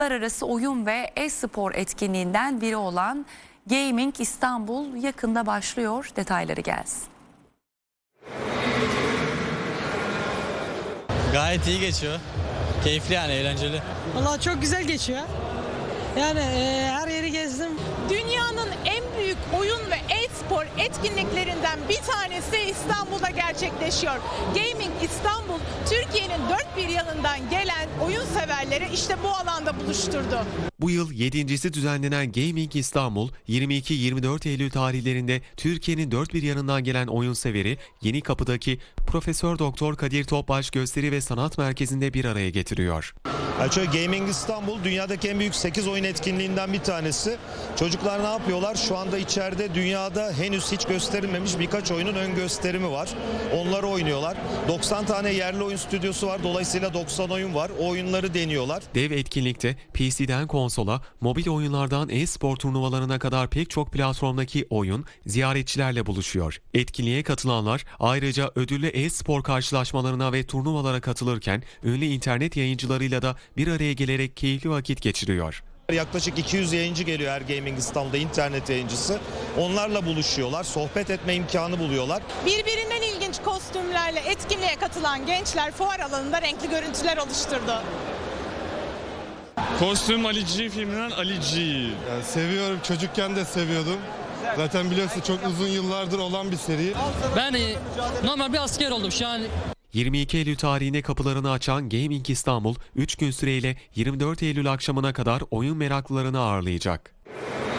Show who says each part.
Speaker 1: Uluslararası oyun ve e-spor etkinliğinden biri olan Gaming İstanbul yakında başlıyor. Detayları gelsin.
Speaker 2: Gayet iyi geçiyor. Keyifli yani, eğlenceli.
Speaker 3: Vallahi çok güzel geçiyor. Yani her yeri gezdim.
Speaker 4: Dünyanın en büyük oyun ve e-spor etkinliklerinden bir tanesi İstanbul'da gerçekleşiyor. Gaming İstanbul, Türkiye'nin dört bir yanından gelen oyun severleri işte bu alanda buluşturdu.
Speaker 5: Bu yıl 7.'si düzenlenen Gaming İstanbul, 22-24 Eylül tarihlerinde Türkiye'nin dört bir yanından gelen oyun severi Yenikapı'daki Profesör Doktor Kadir Topbaş Gösteri ve Sanat Merkezi'nde bir araya getiriyor.
Speaker 6: Gaming İstanbul dünyadaki en büyük 8 oyun etkinliğinden bir tanesi. Çocuklar ne yapıyorlar? Şu anda içeride dünyada henüz hiç gösterilmemiş birkaç oyunun ön gösterimi var. Onları oynuyorlar. 90 tane yerli oyun stüdyosu var. Dolayısıyla 90 oyun var. O oyunları deniyorlar.
Speaker 5: Dev etkinlikte PC'den konsola, mobil oyunlardan e-spor turnuvalarına kadar pek çok platformdaki oyun ziyaretçilerle buluşuyor. Etkinliğe katılanlar ayrıca ödüllü e-spor karşılaşmalarına ve turnuvalara katılırken ünlü internet yayıncılarıyla da bir araya gelerek keyifli vakit geçiriyor.
Speaker 6: Yaklaşık 200 yayıncı geliyor her Gaming İstanbul'da, internet yayıncısı. Onlarla buluşuyorlar, sohbet etme imkanı buluyorlar.
Speaker 4: Birbirinden ilginç kostümlerle etkinliğe katılan gençler fuar alanında renkli görüntüler oluşturdu.
Speaker 7: Kostüm Ali G filminden Ali G.
Speaker 8: Yani seviyorum, çocukken de seviyordum. Zaten biliyorsun çok uzun yıllardır olan bir seri.
Speaker 9: Ben normal bir asker oldum şu an.
Speaker 5: 22 Eylül tarihine kapılarını açan Gaming İstanbul, 3 gün süreyle 24 Eylül akşamına kadar oyun meraklılarını ağırlayacak.